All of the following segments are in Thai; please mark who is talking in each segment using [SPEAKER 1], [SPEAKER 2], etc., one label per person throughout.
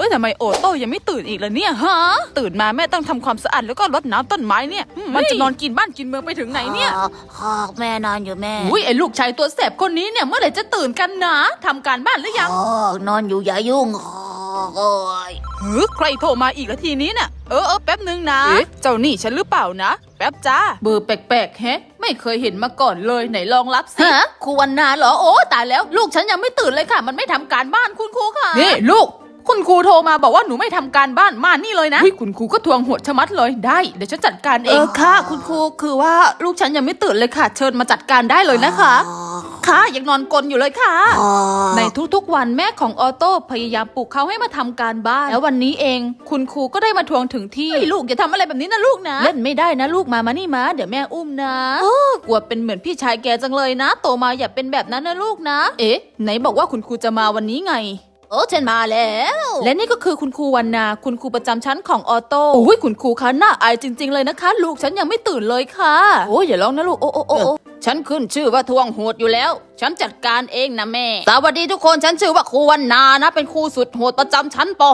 [SPEAKER 1] ทำไมโอโต้ยังไม่ตื่นอีกล่ะเนี่ยฮะตื่นมาแม่ต้องทำความสะอาดแล้วก็รดน้ำต้นไม้เนี่ยมันจะนอนกินบ้านกินเมืองไปถึงไหนเนี่ย
[SPEAKER 2] แม่นอนอยู่แม่
[SPEAKER 1] อุ้ยไอ้ลูกชายตัวแสบคนนี้เนี่ยเมื่อไหร่จะตื่นกันนะทำการบ้านหรือยัง
[SPEAKER 2] นอนอยู่อย่ายุ่งโอ้ย
[SPEAKER 1] ใครโทรมาอีกละทีนี้เนี่ยแป๊บนึงนะเจ้านี่ฉันหรือเปล่านะแป๊บจ้าเบอร์แปลกๆแฮะไม่เคยเห็นมาก่อนเลยไหนลองรับสิฮะครูวันนาเหรอโอ้ตายแล้วลูกฉันยังไม่ตื่นเลยค่ะมันไม่ทำการบ้านคุณครูค่ะนี่ลูกคุณครูโทรมาบอกว่าหนูไม่ทำการบ้านมานี่เลยนะคุณครูก็ทวงโหดชะมัดเลยได้เดี๋ยวฉันจัดการเองค่ะคุณครูคือว่าลูกฉันยังไม่ตื่นเลยค่ะเชิญมาจัดการได้เลยนะคะค่ะยังนอนกลนอยู่เลยค่ะในทุกๆวันแม่ของออโต้พยายามปลุกเขาให้มาทำการบ้านแล้ววันนี้เองคุณครูก็ได้มาทวงถึงที่ลูกอย่าทำอะไรแบบนี้นะลูกนะเล่นไม่ได้นะลูกมานี่มาเดี๋ยวแม่อุ้มนะกลัวเป็นเหมือนพี่ชายแกจังเลยนะโตมาอย่าเป็นแบบนั้นนะลูกนะไหนบอกว่าคุณครูจะมาวันนี้ไงฉันมาแล้วและนี่ก็คือคุณครูวันนาคุณครูประจำชั้นของออโต้คุณครูคะน่าอายจริงๆเลยนะคะลูกฉันยังไม่ตื่นเลยค่ะอย่าร้องนะลูกฉันขึ้นชื่อว่าทวงโหดอยู่แล้วฉันจัดการเองนะแม่สวัสดีทุกคนฉันชื่อว่าครูวันนานะเป็นครูสุดโหดประจำชั้นป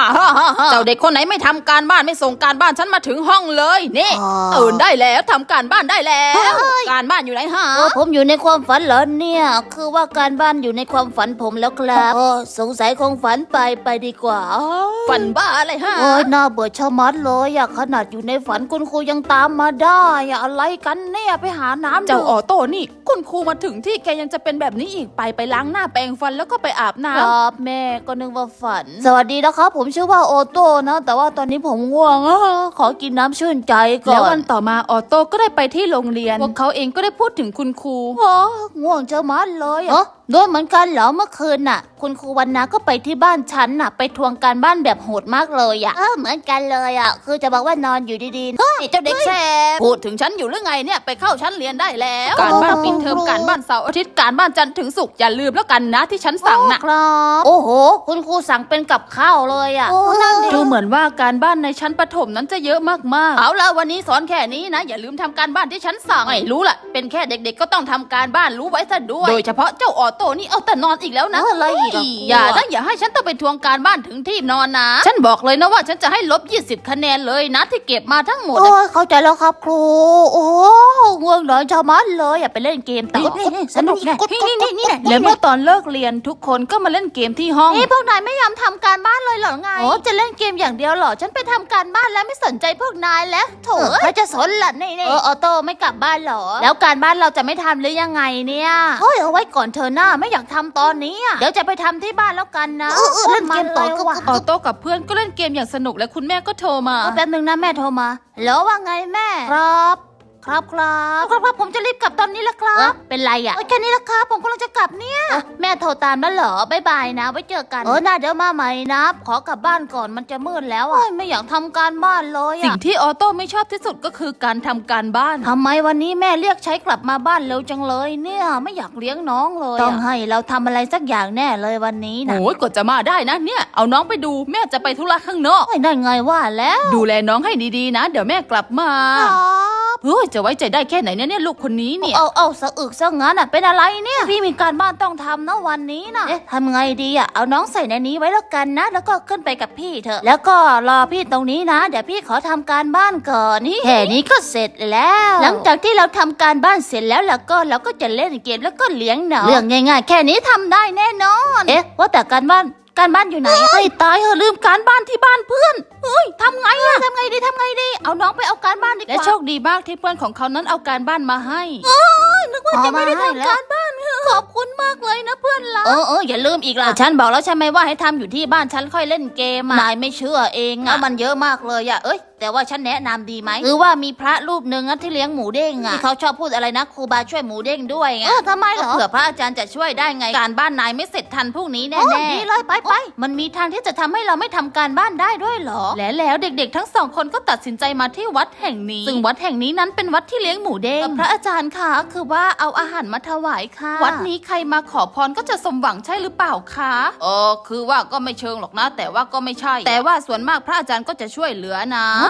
[SPEAKER 1] .5 เจ้าเด็กคนไหนไม่ทำการบ้านไม่ส่งการบ้านฉันมาถึงห้องเลยนี่ตื่นได้แล้วทำการบ้านได้แล้วการบ้านอยู่ไหนฮะ
[SPEAKER 2] ผมอยู่ในความฝันเหรอเนี่ยคือว่าการบ้านอยู่ในความฝันผมแล้วครับสงสัยคงฝันไปดีกว่า
[SPEAKER 1] ฝันบ้าอะไรฮะ
[SPEAKER 2] น่าเบื่อชะมัดเลยขนาดอยู่ในฝันคุณครูยังตามมาได้อะไรกันเนี่ยไปหาน้ำ
[SPEAKER 1] เจ้าออโต้นี่คุณครูมาถึงที่แกยังจะเป็นแบบนี้อีกไปล้างหน้าแปรงฟันแล้วก็ไปอาบน้ำ
[SPEAKER 2] ครับแม่ก็นึกว่าฝันสวัสดีนะครับผมชื่อว่าออโต้นะแต่ว่าตอนนี้ผมง่วงขอกินน้ำชื่นใจก่อน
[SPEAKER 1] แล้ววันต่อมาออโต้ก็ได้ไปที่โรงเรียนพวกเขาเองก็ได้พูดถึงคุณครู
[SPEAKER 2] ง่วงชะมัดเลยโดนเหมือนกันเหรอเมื่อคืนน่ะคุณครูวันนาก็ไปที่บ้านฉันน่ะไปทวงการบ้านแบบโหดมากเลยเหมือนกันเลยคือจะบอกว่านอนอยู่ดีๆเจ้าเด็กแสบ
[SPEAKER 1] พูดถึงฉันอยู่หรือไงเนี่ยไปเข้าชั้นเรียนได้แล้วการบ้านปิดเทอมการบ้านเสาร์อาทิตย์การบ้านจันทร์ถึงศุกร์อย่าลืมแล้วกันนะที่ฉันสั่งนะครับ
[SPEAKER 2] โอ้โหคุณครูสั่งเป็นกับข้าวเลย
[SPEAKER 1] ดูเหมือนว่าการบ้านในชั้นประถมนั้นจะเยอะมากๆเอาละวันนี้สอนแค่นี้นะอย่าลืมทำการบ้านที่ฉันสั่งไม่รู้ล่ะเป็นแค่เด็กๆก็ต้องทำการบ้านรู้ไว้ซะด้วยโดยเฉพาะเจ้าออโต้นี่เอาแต่นอนอีกแล้วนะ
[SPEAKER 2] อะไรอีก
[SPEAKER 1] อย่าให้ฉันต้องไปทวงการบ้านถึงที่นอนนะฉันบอกเลยนะว่าฉันจะให้ลบ20คะแนนเลยนะที่เก็บมาทั้งหมด
[SPEAKER 2] เข้าใจแล้วครับครูง่วงนอนชะมัดเลยอย่าไปเล่นเกมต่อ
[SPEAKER 1] สนุกแน่นี่แล้วเมื่อตอนเลิกเรียนทุกคนก็มาเล่นเกมที่ห้อง
[SPEAKER 2] พวกนายไม่ยอมทำการบ้านเลยเหรอไงจะเล่นเกมอย่างเดียวเหรอฉันไปทำการบ้านแล้วไม่สนใจพวกนายแล้วโถใครจะสนล่ะนี่ออโต้ไม่กลับบ้านเหรอแล้วการบ้านเราจะไม่ทำหรือยังไงเนี่ยเอาไว้ก่อนเธอหน้าไม่อยากทำตอนนี้เดี๋ยวจะไปทำที่บ้านแล้วกันนะ
[SPEAKER 1] เล่นเกมต่อออโต้กับเพื่อนก็เล่นเกมอย่างสนุกและคุณแม่ก็โทรมา
[SPEAKER 2] แป๊บนึงนะแม่โทรมาแล้วว่าไงแม่ครับผมจะรีบกลับตอนนี้ละครับเป็นไรแค่นี้ละครับผมกำลังจะกลับเนี่ยแม่โทรตามแล้วเหรอบ๊ายบายนะไว้เจอกันน่าเดี๋ยวมาใหม่นะขอกลับบ้านก่อนมันจะมืดแล้วไม่อยากทำการบ้านเลย
[SPEAKER 1] สิ่งที่ออโต้ไม่ชอบที่สุดก็คือการทำการบ้าน
[SPEAKER 2] ทำไมวันนี้แม่เรียกใช้กลับมาบ้านเร็วจังเลยเนี่ยไม่อยากเลี้ยงน้องเลยต้องให้เราทำอะไรสักอย่างแน่เลยวันนี้นะ
[SPEAKER 1] โอ้ยกว่าจะมาได้นะเนี่ยเอาน้องไปดูแม่จะไปธุระข้างนอก
[SPEAKER 2] ได้ไงว่าแล้ว
[SPEAKER 1] ดูแลน้องให้ดีๆนะเดี๋ยวแม่กลับมาจะไว้ใจได้แค่ไหนเนี่ยลูกคนนี้เนี่ย
[SPEAKER 2] เอาสะอึกซะงั้นเป็นอะไรเนี่ยพี่มีการบ้านต้องทำนะวันนี้นะทำไงดีเอาน้องใส่ในนี้ไว้แล้วกันนะแล้วก็ขึ้นไปกับพี่เถอะแล้วก็รอพี่ตรงนี้นะเดี๋ยวพี่ขอทำการบ้านก่อนนี่แค่นี้ก็เสร็จแล้วหลังจากที่เราทำการบ้านเสร็จแล้วก็เราก็จะเล่นเกมแล้วก็เลี้ยงน้องเรื่องง่ายๆแค่นี้ทำได้แน่นอนว่าแต่การบ้านอยู่ไหน
[SPEAKER 1] ตายลืมการบ้านที่บ้านเพื่อน
[SPEAKER 2] ทำไงดีเอาน้องไปเอาการบ้านดีกว่า
[SPEAKER 1] และโชคดีมากที่เพื่อนของเขานั้นเอาการบ้านมาให้
[SPEAKER 2] นึกว่าจะไม่ได้ทำการบ้านขอบคุณมากเลยนะเพื่อนรัก
[SPEAKER 1] อย่าลืมอีกล่ะฉันบอกแล้วใช่ไหมว่าให้ทำอยู่ที่บ้านฉันค่อยเล่นเกม
[SPEAKER 2] นายไม่เชื่อเอง
[SPEAKER 1] มันเยอะมากเลยแต่ว่าฉันแนะนำดีไหม
[SPEAKER 2] คือว่ามีพระรูปหนึ่งที่เลี้ยงหมูเด้ง
[SPEAKER 1] ที่เขาชอบพูดอะไรนะครูบาช่วยหมูเด้งด้วยไง
[SPEAKER 2] ทำไมเหรอ
[SPEAKER 1] เผื่อพระอาจารย์จะช่วยได้ไงการบ้านนายไม่เสร็จทันพรุ่งนี้แน่
[SPEAKER 2] ดีเลยไป
[SPEAKER 1] มันมีทางที่จะทำให้เราไม่ทำการบ้านได้ด้วยเหรอแล้วเด็กๆทั้งสองคนก็ตัดสินใจมาที่วัดแห่งนี้ซึ่งวัดแห่งนี้นั้นเป็นวัดที่เลี้ยงหมูเด้งพระอาจารย์คะคือว่าเอาอาหารมาถวายค่ะวัดนี้ใครมาขอพรก็จะสมหวังใช่หรือเปล่าคะคือว่าก็ไม่เชิงหรอกนะแต่ว่าก็ไม่ใช่แต่ว่าส่วนมากพระอาจารย์ก็จะช่วยเหลือนะ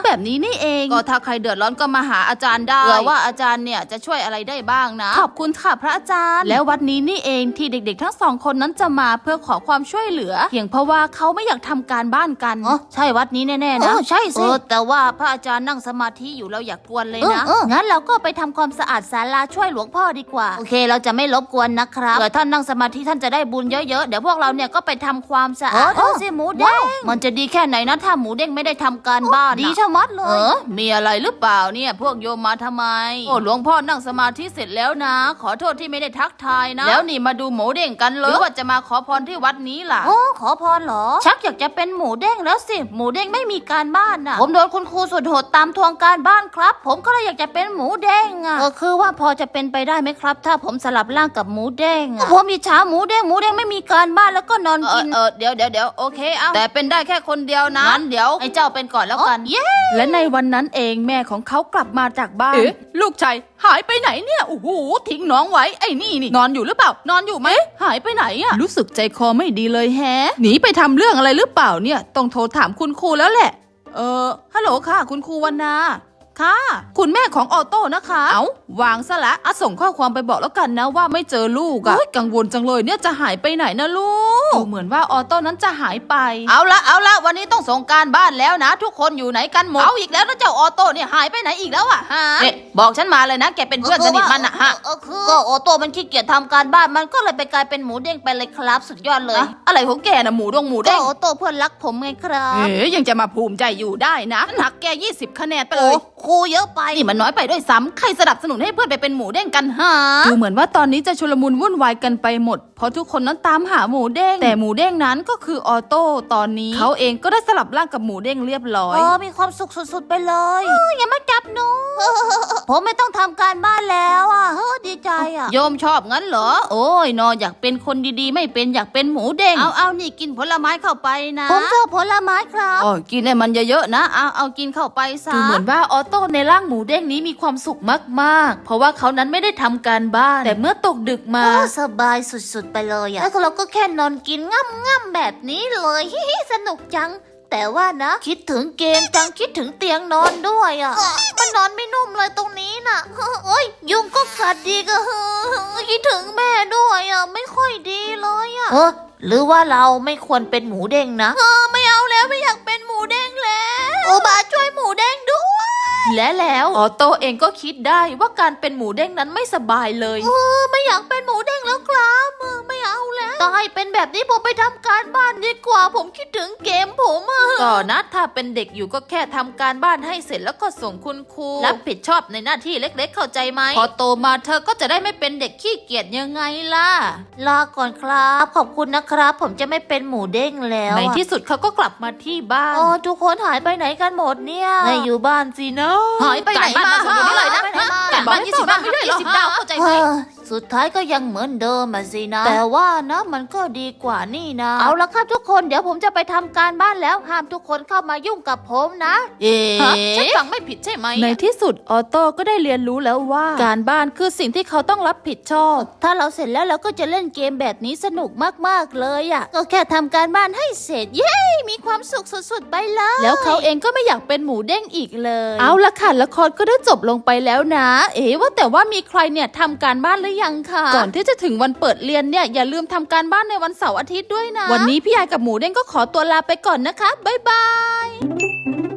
[SPEAKER 1] แบบนี้นี่เองก็ถ้าใครเดือดร้อนก็มาหาอาจารย์ได้เผื่อว่าอาจารย์เนี่ยจะช่วยอะไรได้บ้างนะขอบคุณค่ะพระอาจารย์แล้ววันนี้นี่เองที่เด็กๆทั้งสองคนนั้นจะมาเพื่อขอความช่วยเหลือเพียงเพราะว่าเขาไม่อยากทำการบ้านกันใช่วัดนี้แน่ๆนะ
[SPEAKER 2] ใช่สิ
[SPEAKER 1] แต่ว่าพระอาจารย์นั่งสมาธิอยู่เราอย่ากกวนเลยนะ
[SPEAKER 2] งั้นเราก็ไปทำความสะอาดศาลาช่วยหลวงพ่อดีกว่าโอเคเราจะไม่รบกวนนะครับ
[SPEAKER 1] เผื่อท่านนั่งสมาธิท่านจะได้บุญเยอะๆเดี๋ยวพวกเราเนี่ยก็ไปทำความสะอาด
[SPEAKER 2] ดูสิหมูเด้ง
[SPEAKER 1] มันจะดีแค่ไหนนะถ้าหมูเด้งไม่ได้ทำการบ้าน
[SPEAKER 2] ดีชะมัดเลย
[SPEAKER 1] มีอะไรหรือเปล่าเนี่ยพวกโยมมาทำไมโอ้หลวงพ่อนั่งสมาธิเสร็จแล้วนะขอโทษที่ไม่ได้ทักทายนะแล้วนี่มาดูหมูเด้งกันเลยหรือว่าจะมาขอพรที่วัดนี้ล่ะ
[SPEAKER 2] ขอพรเหรอชักอยากจะเป็นหมูเด้งแล้วสิหมูเด้งไม่มีการบ้านน่ะ
[SPEAKER 1] ผมโดนคุณครูสุดโหดตามทวงการบ้านครับผมก็เลยอยากจะเป็นหมูเด้งอ่ะ
[SPEAKER 2] คือว่าพอจะเป็นไปได้ไหมครับถ้าผมสลับร่างกับหมูเด้งผมมีช้าหมูเด้งไม่มีการบ้านแล้วก็นอนกิน
[SPEAKER 1] เดี๋ยวโอเคเอาแต่เป็นได้แค่คนเดียวนะงั้นเดี๋ยวไอ้เจ้าเป็นก่อนแล้วกันและในวันนั้นเองแม่ของเขากลับมาจากบ้านลูกชายหายไปไหนเนี่ยโอ้โหทิ้งน้องไว้ไอ้นี่นอนอยู่หรือเปล่านอนอยู่ไหมหายไปไหนอะรู้สึกใจคอไม่ดีเลยแฮะหนีไปทำเรื่องอะไรหรือเปล่าเนี่ยต้องโทรถามคุณครูแล้วแหละฮัลโหลค่ะคุณครูวรรณาค่ะคุณแม่ของออโต้นะคะวางซะละส่งข้อความไปบอกแล้วกันนะว่าไม่เจอลูกอะกังวลจังเลยเนี่ยจะหายไปไหนนะลูกเหมือนว่าออโต้นั้นจะหายไปเอาละวันนี้ต้องส่งการบ้านแล้วนะทุกคนอยู่ไหนกันหมดเอาอีกแล้วนะเจ้าออโต้เนี่ยหายไปไหนอีกแล้วอะฮะบอกฉันมาเลยนะแกเป็นเพื่อนสนิทมันอะฮะ
[SPEAKER 2] ก็ออโต้มันขี้เกียจทำการบ้านมันก็เลยไปกลายเป็นหมูเด้งไปเลยครับสุดยอดเลย
[SPEAKER 1] อะไรของแกนะหมูเด้ง
[SPEAKER 2] ออโต้เพื่อนรักผมไงครับ
[SPEAKER 1] ยังจะมาภูมิใจอยู่ได้นะหักแก20 คะแนนไปเลย
[SPEAKER 2] ครูเยอะไป
[SPEAKER 1] นี่มันน้อยไปด้วยซ้ำใครสนับสนุนให้เพื่อนไปเป็นหมูเด้งกันฮะดูเหมือนว่าตอนนี้จะชุลมุนวุ่นวายกันไปหมดเพราะทุกคนนั้นตามหาหมูเด้งแต่หมูเด้งนั้นก็คือออโต้ตอนนี้เขาเองก็ได้สลับร่างกับหมูเด้งเรียบร้อย
[SPEAKER 2] มีความสุขสุดๆไปเลยอย่ามาจับหนูผมไม่ต้องทำการบ้านแล้วอ่ะดีใจอ่ะ
[SPEAKER 1] โยมชอบงั้นเหรอโอ้ยนออยากเป็นคนดีๆไม่เป็นอยากเป็นหมูเด้งเอานี่กินผลไม้เข้าไปนะ
[SPEAKER 2] ผมชอบผลไม้ครับ
[SPEAKER 1] กินให้มันเยอะๆนะเอากินเข้าไปซะดูเหมือนว่าออโต้ในร่างหมูเด้งนี้มีความสุขมากๆเพราะว่าเขานั้นไม่ได้ทำการบ้านแต่เมื่อตกดึกมา
[SPEAKER 2] สบายสุดๆไปเลยอ่ะแล้วเราก็แค่นอนกินง่ำๆแบบนี้เลยสนุกจังแต่ว่านะคิดถึงเกมจังคิดถึงเตียงนอนด้วยอ่ะมันนอนไม่นุ่มเลยตรงนี้น่ะโอ้ยยุงก็กัดดีก็คิดถึงแม่ด้วยอ่ะไม่ค่อยดีเลยอ่ะหรือว่าเราไม่ควรเป็นหมูเด้งนะไม่เอาแล้วไม่อยากเป็นหมูเด้งแล้วโอบาช่วยหมูเด้งด้วย
[SPEAKER 1] และแล้วออโต้เองก็คิดได้ว่าการเป็นหมูเด้งนั้นไม่สบายเลย
[SPEAKER 2] ไม่อยากเป็นหมูเด้งแล้วครับไม่เอาแล้วตายเป็นแบบนี้ผมไปทำการบ้านดีกว่าผมคิดถึงเกมผม
[SPEAKER 1] ก็นะถ้าเป็นเด็กอยู่ก็แค่ทำการบ้านให้เสร็จแล้วก็ส่งคุณครูรับผิดชอบในหน้าที่เล็กๆเข้าใจไหมพอโตมาเธอก็จะได้ไม่เป็นเด็กขี้เกียจยังไงล่ะ
[SPEAKER 2] ลาก่อนครับขอบคุณนะครับผมจะไม่เป็นหมูเด้งแล้ว
[SPEAKER 1] ในที่สุดเขาก็กลับมาที่บ้าน
[SPEAKER 2] ทุกคนหายไปไหนกันหมดเนี่ย
[SPEAKER 1] ไม่อยู่บ้านสินะหายไปไหนมาส่งอยู่นี่เลยนะการบ้าน20 ดาวไม่ได้หรอ20 ดาวเข้าใจไหม
[SPEAKER 2] สุดท้ายก็ยังเหมือนเดิมสินะแต่ว่านะมันก็ดีกว่านี่นะเอาละครับทุกคนเดี๋ยวผมจะไปทำการบ้านแล้วห้ามทุกคนเข้ามายุ่งกับผมนะ
[SPEAKER 1] ฉันฟังไม่ผิดใช่ไหมในที่สุดออโต้ก็ได้เรียนรู้แล้วว่าการบ้านคือสิ่งที่เขาต้องรับผิดชอบ
[SPEAKER 2] ถ้าเราเสร็จแล้วเราก็จะเล่นเกมแบบนี้สนุกมากๆเลยอ่ะก็แค่ทำการบ้านให้เสร็จเย้มีความสุขสุดๆไปเลย
[SPEAKER 1] แล้วเขาเองก็ไม่อยากเป็นหมูเด้งอีกเลยเอาละค่ะละครก็ได้จบลงไปแล้วนะว่าแต่ว่ามีใครเนี่ยทำการบ้านหรือยังคะก่อนที่จะถึงวันเปิดเรียนเนี่ยอย่าลืมทำการบ้านในวันเสาร์อาทิตย์ด้วยนะวันนี้พี่ยายกับหมูเด้งก็ขอตัวลาไปก่อนนะคะบ๊ายบาย